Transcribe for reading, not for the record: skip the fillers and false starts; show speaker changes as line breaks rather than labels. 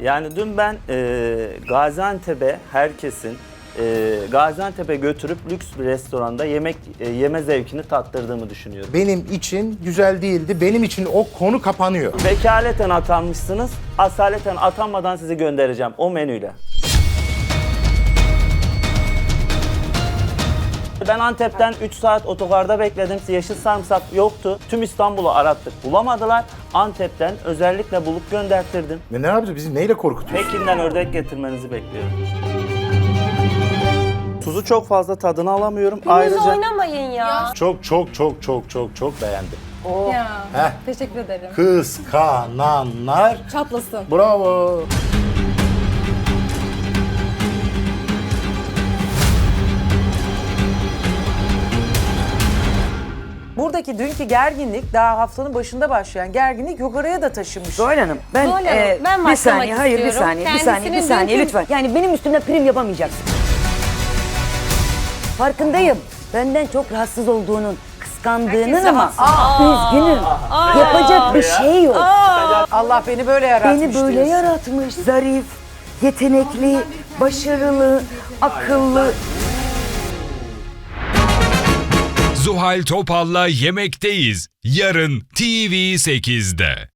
Yani dün ben Gaziantep'e herkesin Gaziantep'e götürüp lüks bir restoranda yeme zevkini tattırdığımı düşünüyorum.
Benim için güzel değildi. Benim için o konu kapanıyor.
Vekaleten atanmışsınız. Asaleten atanmadan sizi göndereceğim o menüyle. Ben Antep'ten 3 saat otogarda bekledim. Yeşil sarımsak yoktu. Tüm İstanbul'u arattık. Bulamadılar. Antep'ten özellikle bulup gönderttirdim.
Ne yapacağız? Bizi neyle korkutuyorsun?
Pekin'den ördek getirmenizi bekliyorum. Tuzu çok fazla tadını alamıyorum.
Ayrıca oynamayın ya.
Çok beğendim.
Ya.
Heh.
Teşekkür ederim.
Kıskananlar
Çatlasın.
bravo.
Buradaki dünkü gerginlik daha haftanın başında başlayan gerginlik yukarıya da taşınmış.
Zuhal Hanım, ben,
Zuhal Hanım, ben
bir
başlamak
saniye, hayır bir
istiyorum.
saniye, bir saniye, bir
Kendisinin
saniye
dünkü-
lütfen. Yani benim üstümde prim yapamayacaksın. Farkındayım. Benden çok rahatsız olduğunun, kıskandığının ama üzgünüm. Yapacak bir şey yok.
Allah beni böyle yaratmış
Beni böyle
diyorsun.
yaratmış, zarif, yetenekli, başarılı, akıllı.
Zuhal Topal'la Yemekteyiz. Yarın TV8'de.